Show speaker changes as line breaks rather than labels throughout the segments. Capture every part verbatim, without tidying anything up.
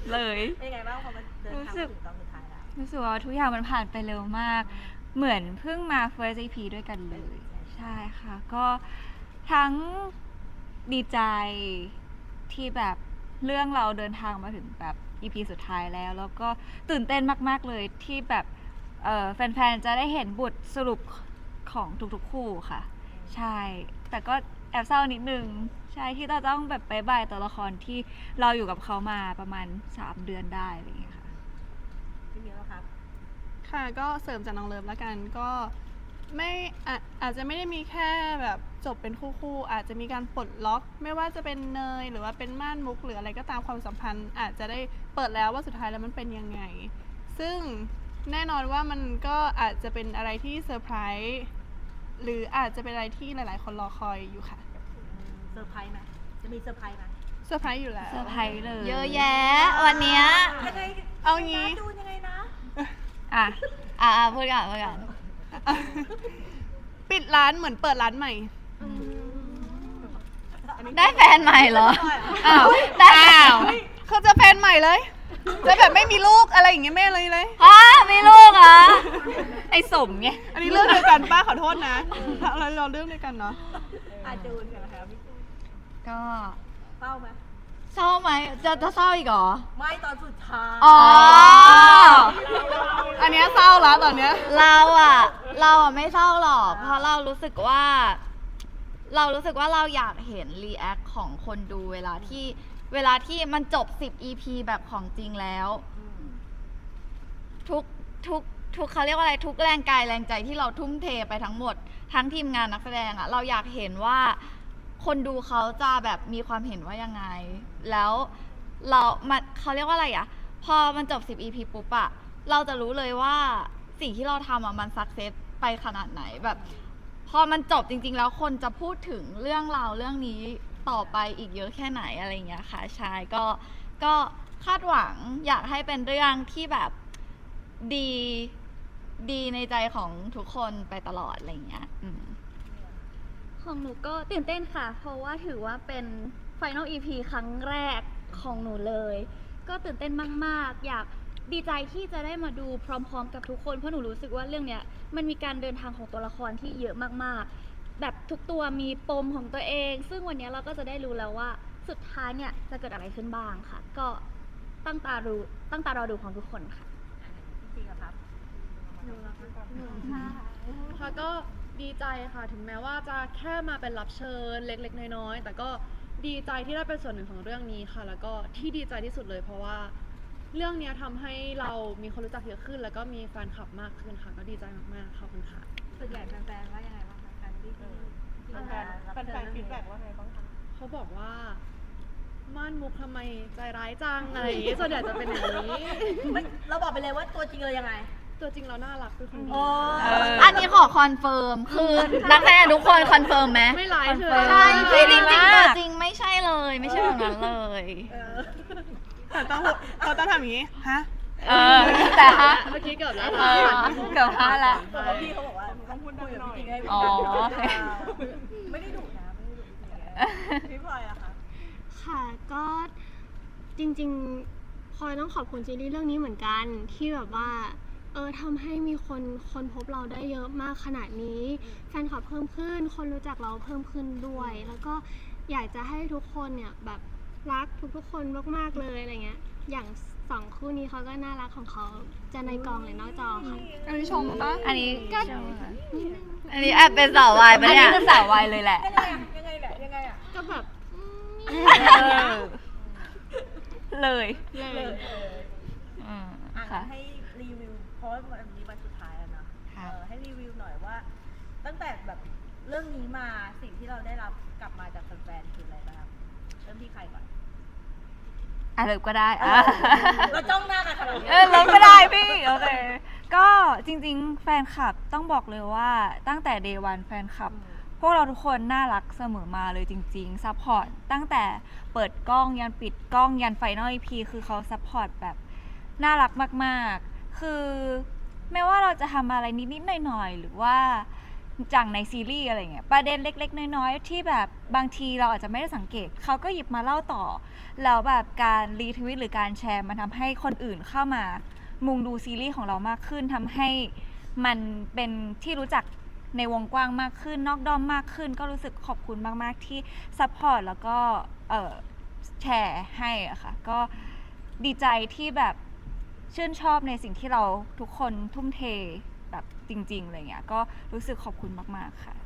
เลย
เป็นไงบ้างพอมันเดินทางถึงตอนสุดท้ายแล้ว
รู้สึกว่าทุกอย่างมันผ่านไปเร็วมากเหมือนเพิ่งมา first อี พี ด้วยกันเลยใช่ค่ะก็ทั้งดีใจที่แบบเรื่องเราเดินทางมาถึงแบบ อี พี สุดท้ายแล้วแล้วก็ตื่นเต้นมากๆเลยที่แบบแฟนๆจะได้เห็นบทสรุปของทุกๆคู่ค่ะใช่แต่ก็แอบเศร้านิดนึงใช่ที่เราต้องแบบไปบายตัวละครที่เราอยู่กับเขามาประมาณสามเดือนได้อะไรอย่างเงี้ยค่ะ
พี่มิ้วครับ
ค่ะก็เสริมจากน้องเลิฟแล้วกันก็ไม่อาอาจจะไม่ได้มีแค่แบบจบเป็นคู่ๆอาจจะมีการปลดล็อกไม่ว่าจะเป็นเนยหรือว่าเป็นม่านมุกหรืออะไรก็ตามความสัมพันธ์อาจจะได้เปิดแล้วว่าสุดท้ายแล้วมันเป็นยังไงซึ่งแน่นอนว่ามันก็อาจจะเป็นอะไรที่เซอร์ไพรส์หรืออาจจะเป็นอะไรที่หลายๆคนรอคอยอยู่ค่ะ
เซอร์ไพรส์ไหมจะมีเซอร์ไพรส์ไหม
เซอร์ไพรส์อยู่แล้ว
เซอร์ไพรส์เลย
เยอะแยะวันเนี้ย
ยังไง
เอางี้
ดูยังไงนะ
อ่ะ
อ่ะพูดก่อนพูดก่อน
ปิดร้านเหมือนเปิดร้านใหม่
ได้แฟนใหม่เหรอ
อ้าว
ได้
อ้าว
เขาจะแฟนใหม่เลยจะแบบไม่มีลูกอะไรอย่างเงี้ยไม่เลยเลย
ฮะมีลูกเหรอ
ไอ้สมไง
อันนี้เรื่องเดียวกันป้าขอโทษนะเราเราเรื่องเดียวกันเนาะ
อาจูนกันนะคะพี่จูน
ก็
เศร้าไหม
เศร้าไหมจะจะเศร้าอีกเหรอ
ไม่ตอนสุดท้าย
อ๋อ
อันเนี้ยเศร้าแล้วตอนเนี้ย
เราอะเราอะไม่เศร้าหรอกเพราะเรารู้สึกว่าเรารู้สึกว่าเราอยากเห็นรีแอคของคนดูเวลาที่เวลาที่มันจบสิบ อี พี แบบของจริงแล้วทุกทุกทุกเขาเรียกว่าอะไรทุกแรงกายแรงใจที่เราทุ่มเทไปทั้งหมดทั้งทีมงานนักแสดงอะเราอยากเห็นว่าคนดูเขาจะแบบมีความเห็นว่ายังไงแล้วเรามันเขาเรียกว่าอะไรอะพอมันจบสิบ อี พี ปุ๊บอะเราจะรู้เลยว่าสิ่งที่เราทำอะมันสักเซสไปขนาดไหนแบบพอมันจบจริงๆแล้วคนจะพูดถึงเรื่องราวเรื่องนี้ต่อไปอีกเยอะแค่ไหนอะไรอย่างเงี้ยค่ะใช่ก็ก็คาดหวังอยากให้เป็นเรื่องที่แบบดีดีในใจของทุกคนไปตลอดอะไรอย่างเงี้ย
ของหนูก็ตื่นเต้นค่ะเพราะว่าถือว่าเป็น Final อี พี ครั้งแรกของหนูเลยก็ตื่นเต้นมากๆอยากดีใจที่จะได้มาดูพร้อมๆกับทุกคนเพราะหนูรู้สึกว่าเรื่องเนี้ยมันมีการเดินทางของตัวละครที่เยอะมากๆแบบทุกตัวมีปมของตัวเองซึ่งวันนี้เราก็จะได้รู้แล้วว่าสุดท้ายเนี่ยจะเกิดอะไรขึ้นบ้างค่ะก็ตั้งตาดูตั้งตารอดูของทุกคนค่ะ
จริงๆครับ
ค่ะก็ดีใจค่ะถึงแม้ว่าจะแค่มาเป็นรับเชิญเล็กๆน้อยๆแต่ก็ดีใจที่ได้เป็นส่วนหนึ่งของเรื่องนี้ค่ะแล้วก็ที่ดีใจที่สุดเลยเพราะว่าเรื่องนี้ทำให้เรามีคนรู้จักเยอะขึ้นแล้วก็มีแฟนคลับมากขึ้นค่ะก็ดีใจมากๆขอบคุณค่ะ
ส่วนใหญ่แฟนๆว่ายังไงบ้างคะแฟนที่แฟนแฟนฟีดแบ็กว่าไงบ้างคะ
เขาบอกว่าม่านมุกทำไมใจร้ายจังอะไรอย่างงี้ส่วนใหญ่จะเป็นอย่างนี้
เราบอกไปเลยว่าตัวจริงเรายังไง
ตัวจริงเราน่ารักเป็นคนดี
อันนี้ขอคอนเฟิร์มคือนักแสดงทุกคนคอนเฟิร์มไหม
ไม่ร้ายเฉย
ใช่จริงจริงตัวจริงไม่ใช่เลยไม่ใช่แบบนั้นเลย
เขาต้องเขาต้องทำอย่างนี้ฮะ
เออแต่ฮะ
เมื่อกี้เกือบแล้ว
เกือบพลาดละ
แต่ว่าพี่เขาบอกว่าต้องพูดคุยกับพี่จริงให้
อ๋อ
ไม่ได้ดุนะไม่ได้ดุพี่พลอยอะคะ
ค่ะก็จริงๆพลอยต้องขอบคุณซีรีส์เรื่องนี้เหมือนกันที่แบบว่าเออทำให้มีคนคนพบเราได้เยอะมากขนาดนี้แฟนคลับเพิ่มขึ้นคนรู้จักเราเพิ่มขึ้นด้วยแล้วก็อยากจะให้ทุกคนเนี่ยแบบรักทุกๆคนมากๆเลยอะไรเงี้ยอย่างสองคู่นี้เขาก็น่ารักของเขาจะในกองหรือนอกจอค่ะ
อันนี้ชมปะ
อันนี้ก็
อันนี้แอบเป็นสาววายปะเนี่ย
อันนี้คือสาววายเลยแหละ
ยังไงอะยังไงแหละยังไงอะ
ก็แบบ
เลย
เลย
อืม
ค่ะให้รีวิวเพราะว่าวันนี้วันสุดท้ายแล้วเนาะให้รีวิวหน่อยว่าตั้งแต่แบบเรื่องนี้มาสิ่งที่เราได้รับกลับมาจากแฟนๆคืออะไรบ้างเริ่มที่ใครก่อน
อ่ะเริ่มก็ได้อ่ะ
เราจ้องหน้ากันขนาดนี้
เออเริ่มก็ได้พี่โอเคก็จริงๆแฟนคลับต้องบอกเลยว่าตั้งแต่ เดย์ วัน แฟนคลับพวกเราทุกคนน่ารักเสมอมาเลยจริงๆซัพพอร์ตตั้งแต่เปิดกล้องยันปิดกล้องยันไฟนอล อี พี คือเขาซัพพอร์ตแบบน่ารักมากๆคือไม่ว่าเราจะทำอะไรนิดๆหน่อยๆหรือว่าจากในซีรีส์อะไรเงี้ยประเด็นเล็กๆน้อยๆที่แบบบางทีเราอาจจะไม่ได้สังเกตเขาก็หยิบมาเล่าต่อแล้วแบบการรีทวิตหรือการแชร์มันทำให้คนอื่นเข้ามามุงดูซีรีส์ของเรามากขึ้นทำให้มันเป็นที่รู้จักในวงกว้างมากขึ้นนอกด้อมมากขึ้นก็รู้สึกขอบคุณมากๆที่ซัพพอร์ตแล้วก็เอ่อแชร์ให้อะค่ะก็ดีใจที่แบบชื่นชอบในสิ่งที่เราทุกคนทุ่มเทแบบจริงๆอะไรเงี้ยก็รู้สึกขอบคุณมากๆค่ะ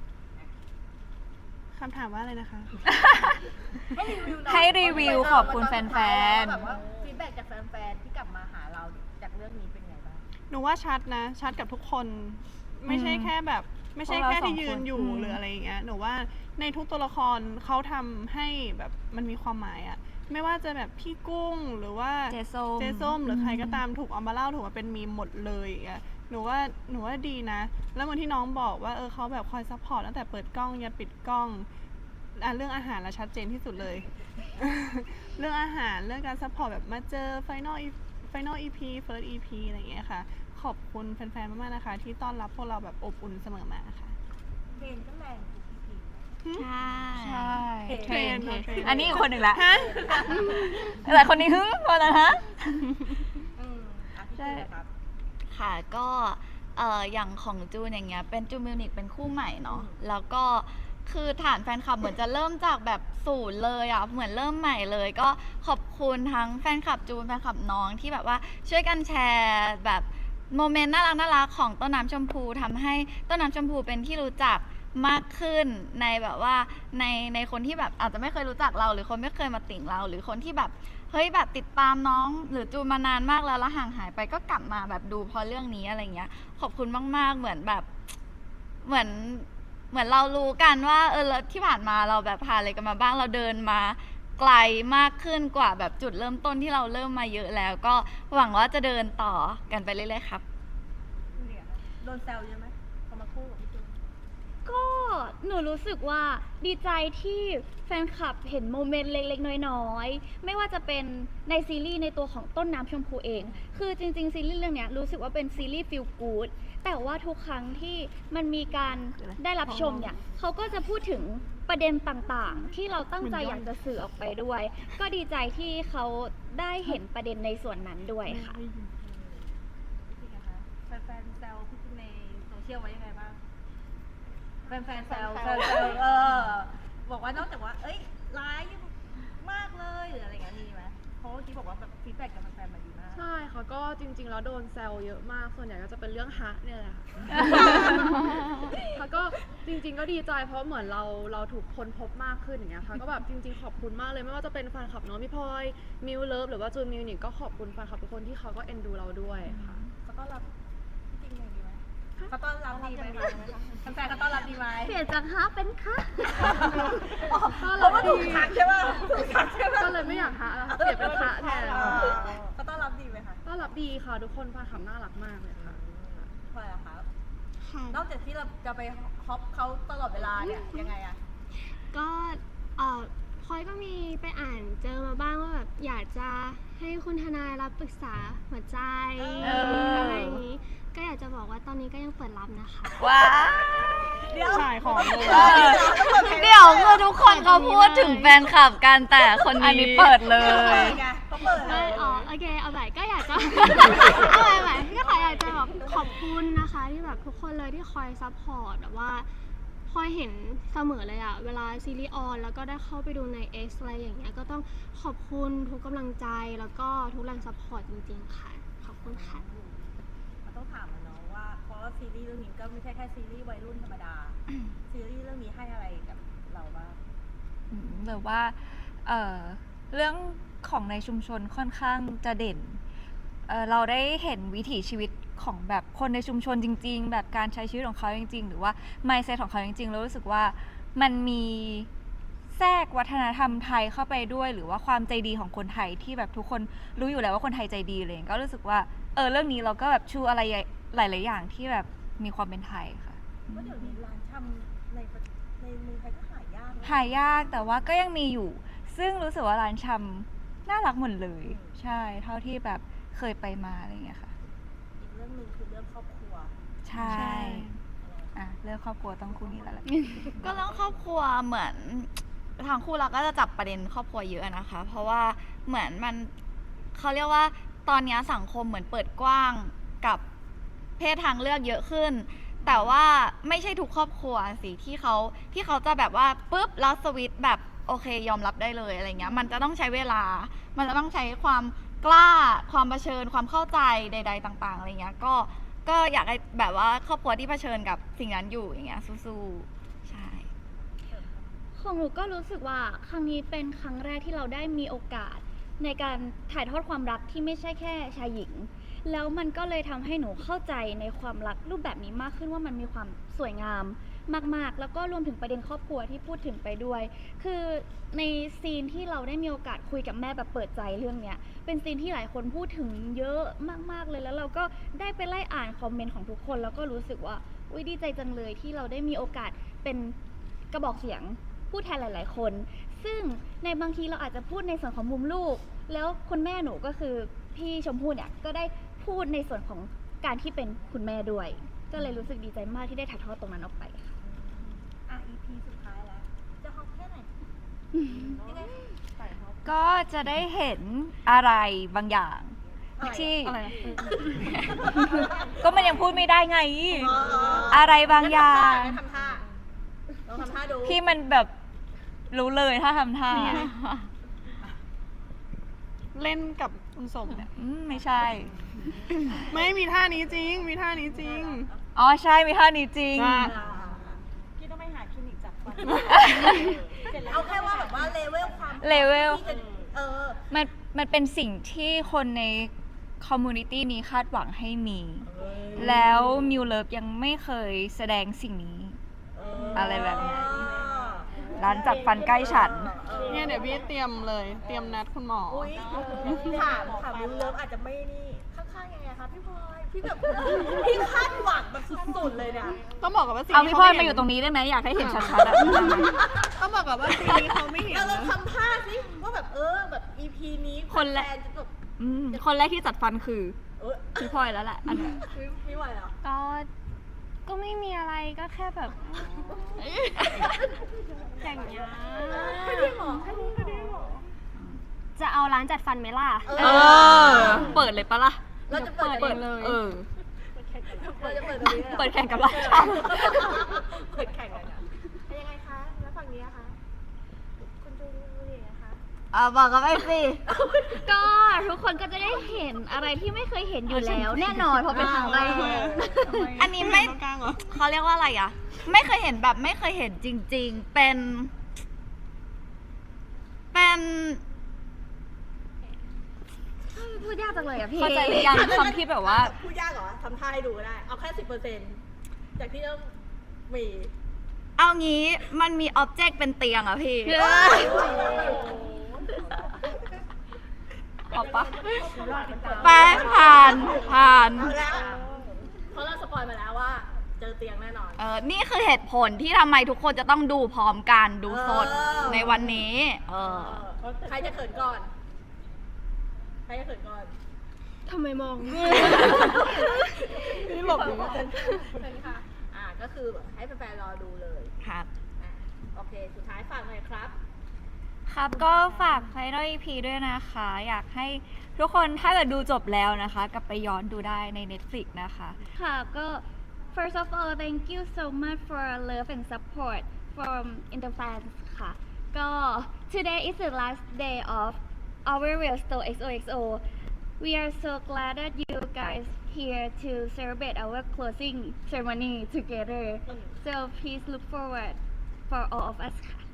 คำถามว่าอะไรนะคะ
ให้รีวิวหน่อย
ให้รีวิวขอบคุณแฟนๆ
แบบว่าฟีดแบ็กจากแฟนๆที่กลับมาหาเราจากเรื่องนี้เป็นไงบ้าง
หนูว่าชัดนะชัดกับทุกคนไม่ใช่แค่แบบไม่ใช่
พวกเรา
แค่ที่
สองคน
ยืนอยู่
อืม
หรืออะไรอย่างเงี้ยหนูว่าในทุกตัวละครเขาทำให้แบบมันมีความหมายอะไม่ว่าจะแบบพี่กุ้งหรือว่า
เจส้ม
เจส้มหรือใครก็ตามถูกเอามาเล่าถูกมาเป็นมีมหมดเลยอย่างเงี้ยหนูว่าหนูว่าดีนะ แล้วเหมือนที่น้องบอกว่าเออเขาแบบคอยซัพพอร์ตตั้งแต่เปิดกล้องยันปิดกล้องอ่ะเรื่องอาหารละชัดเจนที่สุดเลย เรื่องอาหารเรื่องการซัพพอร์ตแบบมาเจอ Final E- Final อี พี First อี พี อะไรอย่างเงี้ยค่ะ ขอบคุณแฟนๆ มากๆ นะคะ ที่ต้อนรับพวกเราแบบอบอุ่นเสมอมาค่ะ
เพลงก็แรงทุกที
ใช่
ใช่
เทรน
เทรน
เทรน
อันนี้อีกคนหนึ่งละแต่คนนี้ฮึคนนั้นฮะ
อืมอ่ะพี่
ใช่
จูนครับ
ค่ะก็เอ่ออย่างของจูนอย่างเงี้ยเป็นจูนมิวนิกเป็นคู่ใหม่เนาะแล้วก็คือฐานแฟนคลับเหมือนจะเริ่มจากแบบศูนย์เลยอ่ะเหมือนเริ่มใหม่เลย ก็ขอบคุณทั้งแฟนคลับจูนแฟนคลับน้องที่แบบว่าช่วยกันแชร์แบบโมเมนต์น่ารักน่ารักของต้นน้ำชมพูทำให้ต้นน้ำชมพูเป็นที่รู้จักมากขึ้นในแบบว่าในในคนที่แบบอาจจะไม่เคยรู้จักเรา หรือคนไม่เคยมาติ่งเรา หรือคนที่แบบเฮ้ยแบบติดตามน้องหรือจูนมานานมากแล้วแล้วห่างหายไปก็กลับมาแบบดูเพราะเรื่องนี้อะไรเงี้ยขอบคุณมากๆเหมือนแบบเหมือนเหมือนเรารู้กันว่าเออแล้วที่ผ่านมาเราแบบผ่านอะไรกันมาบ้างเราเดินมาไกลมากขึ้นกว่าแบบจุดเริ่มต้นที่เราเริ่มมาเยอะแล้ว ก็หวังว่าจะเดินต่อกันไปเรื่อยๆครับ
เนี่ยโดนแซวเยอะไหมพอมาคู่กับพี่จูน
ก็หนูรู้สึกว่าดีใจที่แฟนคลับเห็นโมเมนต์เล็กๆ น้อยๆ ไม่ว่าจะเป็นในซีรีส์ในตัวของต้นน้ำชมพูเอง คือจริงๆ ซีรีส์เรื่องเนี้ยรู้สึกว่าเป็นซีรีส์ฟีลกู๊ดแต่ว่าทุกครั้งที่มันมีการได้รับชมเนี่ยเขาก็จะพูดถึงประเด็นต่างๆ ที่เราตั้งใจอยากจะสื่อออกไปด้วย ก็ดีใจที่เขาได้เห็นประเด็นในส่วนนั้นด้วยค่ะ
พี่นะคะแฟนๆแซวพี่จูนในโซเชียลไว้ยังไงบ้างแฟนๆแซวแซวแซวเออบอกว่านอกจากว่า เอ้ยร้ายมากเลยหรืออะไรอย่างเงี้ยมีไหมเพราะเมื่อกี้บอกว่าแบบฟีดแบ็กจากแฟนๆมาดีมาก
ใช่ค่ะก็จริงๆแล้วโดนแซวเยอะมากส่วนใหญ่ก็จะเป็นเรื่องฮะเนี่ยแหละค่ะ ค่ะก็จริงๆก็ดีใจเพราะเหมือนเราเราถูกคนพบมากขึ้นอย่างเงี้ยค่ะก็แบบจริงๆขอบคุณมากเลยไม่ว่าจะเป็นแฟนคลับน้องพี่พลอยมิวเลิฟหรือว่าจูนมิวนิกก็ขอบคุณแฟนคลับทุกคนที่เขาก็เอ็นดูเราด้วยค่ะ
เขาต้อนรับจริงๆดีไหมเขาต้อนรับดีไหมคะแฟนๆเขาต้อนรับดีไหม
เปลี่ยนจากฮะเป็นคะ
เพราะว่าถูกทักใช่ป่ะถูกทักใช่ป่ะ
ก็เลยไม่อยากฮะแล้วค่ะเปลี่ยนเป็นฮะแทน
เขาต้อนรับดีไหมคะ
ก็รับดีค่ะทุกคนแฟนคลับน่ารักมากเลยค่ะ
พลอยอะคะ
ค่ะ
นอกจากที่เราจะไปฮอปเขาตลอดเวลาเนี่ยยังไงอะ
ก็เอ่อพลอยก็มีไปอ่านเจอมาบ้างว่าแบบอยากจะให้คุณทนายรับปรึกษาหัวใจ
เอออ
อะไรอย่างนี้ ก็อยากจะบอกว่าตอนนี้ก็ยังเปิดรับนะคะ
ว้า
เดี๋ยว
ขายของเลย
เออ
เดี๋ยวคือทุกคนเขาพูดถึงแฟนคลับกันแต่คน
อัน
นี้
นี้เปิดเล
เปิ
ย
ดไงเขาเปิดเล
ไม่
ย
อ๋อโอเคเอาใหม่ก็อยากจะ เอาใหม่ใหม่ก็ขออยากจะแบบขอบคุณนะคะที่แบบทุกคนเลยที่คอยซัพพอร์ตแบบว่าคอยเห็นเสมอเลยอะเวลาซีรีส์ออนแล้วก็ได้เข้าไปดูใน X อะไรอย่างเงี้ยก็ต้องขอบคุณทุกกำลังใจแล้วก็ทุกแรงซัพพอร์ตจริงๆค่ะขอบคุณค่ะ
มันต้องถามอะเนาะว่าเพราะว่าซีรีส์เรื่องนี้ก็ไม่ใช่แค่ซีรีส์วัยรุ่นธรรมดา ซีรีส์เรื่องนี้ให้อะไรกับเราบ้าง
อืมหรือว่าเอ่อเรื่องของในชุมชนค่อนข้างจะเด่นเอ่อเราได้เห็นวิถีชีวิตของแบบคนในชุมชนจริง ๆ แบบการใช้ชีวิตของเขาจริง ๆ หรือว่า mindset ของเขาจริงๆแล้วรู้สึกว่ามันมีแทรกวัฒนธรรมไทยเข้าไปด้วย หรือว่าความใจดีของคนไทยที่แบบทุกคนรู้อยู่แล้วว่าคนไทยใจดีเลยก็รู้สึกว่าเออเรื่องนี้เราก็แบบชูอะไรหลายๆอย่างที่แบบมีความเป็นไทยค่ะ
ว่าเดี๋ยวนี้ร้านชำในประในเมืองไทยก็หายากนะ
หายากแต่ว่าก็ยังมีอยู่ ซึ่งรู้สึกว่าร้านชำน่ารักหมดเลย ใช่เท่าที่แบบเคยไปมาอะไรอย่างเงี้ยค่ะ
อีกเรื่องหนึ่งคือเรื่องครอบครัว
ใช่
เ
อ่ะเรื่องครอบครัวต้องคู่นี้แล้วแหละ
ก็เรื่องครอบครัวเหมือนทางคู่เราก็จะจับประเด็นครอบครัวเยอะนะคะ เพราะว่าเหมือนมันเขาเรียกว่าตอนนี้สังคมเหมือนเปิดกว้างกับเพศทางเลือกเยอะขึ้น แต่ว่าไม่ใช่ทุกครอบครัวสิที่เขาที่เขาจะแบบว่าปุ๊บแล้วสวิตช์แบบโอเคยอมรับได้เลยอะไรเงี้ยมันจะต้องใช้เวลา มันจะต้องใช้ความกล้าความเผชิญความเข้าใจใด ๆ ต่างๆอะไรเงี้ยก็ก็อยากให้แบบว่าครอบครัวที่เผชิญกับสิ่งนั้นอยู่อย่างเงี้ยสู้ๆใช่
ของหนูก็รู้สึกว่าครั้งนี้เป็นครั้งแรกที่เราได้มีโอกาสในการถ่ายทอดความรักที่ไม่ใช่แค่ชายหญิง แล้วมันก็เลยทำให้หนูเข้าใจในความรักรูปแบบนี้มากขึ้นว่ามันมีความสวยงามมากๆ แล้วก็รวมถึงประเด็นครอบครัวที่พูดถึงไปด้วย คือในซีนที่เราได้มีโอกาสคุยกับแม่แบบเปิดใจเรื่องเนี้ยเป็นซีนที่หลายคนพูดถึงเยอะมากๆเลยแล้วเราก็ได้ไปไล่อ่านคอมเมนต์ของทุกคนแล้วก็รู้สึกว่าอุ๊ยดีใจจังเลยที่เราได้มีโอกาสเป็นกระบอกเสียงผู้แทนหลาย ๆ คน ซึ่งในบางทีเราอาจจะพูดในส่วนของมุมลูก แล้วคุณแม่หนูก็คือพี่ชมพู่เนี่ยก็ได้พูดในส่วนของการที่เป็นคุณแม่ด้วย ก็เลยรู้สึกดีใจมากที่ได้ถ่ายทอดตรงนั้นออกไปค่ะ
อ่ะ อี พี สุดท้ายแล้ว จะฮอปแค่ไหนยังไงใส่ฮอป
ก็จะได้เห็นอะไรบางอย่าง
อะไร
ที่
อะไรนะ
ก็มันยังพูดไม่ได้ไง
อ๋อ
อะไรบางอย่าง
งั้นทำท่าลองทำท่าดู
ที่มันแบบรู้เลยถ้าทำท่า
เล่นกับคุณสมเนี่ย
อืมไม่ใช่
ไม่มีท่านี้จริง มีท่านี้จริง
อ๋อใช่มีท่านี้จริง
ว่า
พี่ต้องไปหาคลินิกจับฟันเอาแค่ว่าแบบว่าเลเวลความ
เลเวล
ที่จะเออ
มันมันเป็นสิ่งที่คนในคอมมูนิตี้นี้คาดหวังให้มี แล้วมิวเลิฟยังไม่เคยแสดงสิ่งนี้ อะไรแบบนั้น ร้านจัดฟันใกล้ฉัน
เนี่ยเดี๋ยวพี่เตรียมเลย เตรียมนัดคุณหมอ
อุ้ยถามถามวิวเลิฟอาจจะไม่นี่ข้างๆยังไงคะพี่พลอยพี่แบบพี่คาดหวังแบบสุดๆเลยเนี่ย
ต้องบอกกับว่าซี
เอา
นี้
พี่
เขา
พลอย
ไม่
มา
เห็
อน ยู่ตรงนี้ได้ไหมอยากให้เห็นชัดๆอะ
ต้องบอกกับว่าซีนี้เขาไม่เห็น
เราลอง
นะ
ทำท่าสิว่าแบบเออแบบ อี พี นี้
คนละ
แฟนจะแบบ
อืมคนแรกที่จัดฟันคือ
เออ
พี่พลอยแล้วแหละอันนี้
ไม่ไม่ไหวเหรอ
ก็ ก็ไม่มีอะไรก็แค่แบบอย่างเงี้ย
ให้พี่หมอให้พี่หมอ
จะเอาร้านจัดฟันไหมล่ะ
เอ
เออ เปิดเลยปะล่ะ
เราจะเปิด
เปิด
เอง
เออ
เราจะเปิดตรงนี้ลยหรอ
เปิดแข่งกับร้าน
เปิดแข่งกันนะเป็นยังไงคะ แล้วฝั่งนี้อะคะ คุณจูดูดีนะคะ
อ่ะบอกกันไปสิ
ก็ทุกคนก็จะได้เห็นอะไรที่ไม่เคยเห็นอยู่แล้ว แน่นอนเพราะเป็นครั้งแรก
อันนี้ไม่
ตรงกลางเหรอ
เขาเรียกว่าอะไรอ่ะ ไม่เคยเห็นแบบไม่เคยเห็นจริง ๆ เป็น เป็น
พูดยากจังเลยอะพี่
เข้าใจหรือยังคำที่แบบว่า
พูดยากเหรอทำท่าให้ดูก็ได้ เอาแค่สิบเปอร์เซ็นต์จากที่ต้องมี
เอางี้มันมีอ็อบเจกต์เป็นเตียงอ่ะพี่
เอาปะ
ไปผ่านผ่าน
เอาแล้วเพราะเราสปอยมาแล้วว่า เจอเตียงแน่นอน
เออนี่คือเหตุผลที่ทำไมทุกคนจะต้องดูพร้อมกันดูสด
เออ
ในวันนี้ เออ
ใครจะเขินก่อน ใครจะเขินก่อน
ทำไมมอง
นี่หลบอยู่
เชิญค่ะ อ่า ก็คือแบบให้แฟนๆรอดูเลย
ครับ
อ่าโอเค สุดท้ายฝากหน่อยครับ
ครับก็ฝาก Final อี พี ด้วยนะคะ อยากให้ทุกคนถ้าเกิดดูจบแล้วนะคะ กลับไปย้อนดูได้ใน Netflix นะคะ
ค่ะก็ first of all thank you so much for love and support from in the fans ค่ะ ก็ today is the last day of our real store เอ็กซ์ โอ เอ็กซ์ โอ we are so glad that you guys here to celebrate our closing ceremony together so please look forward for all of us ค่ะ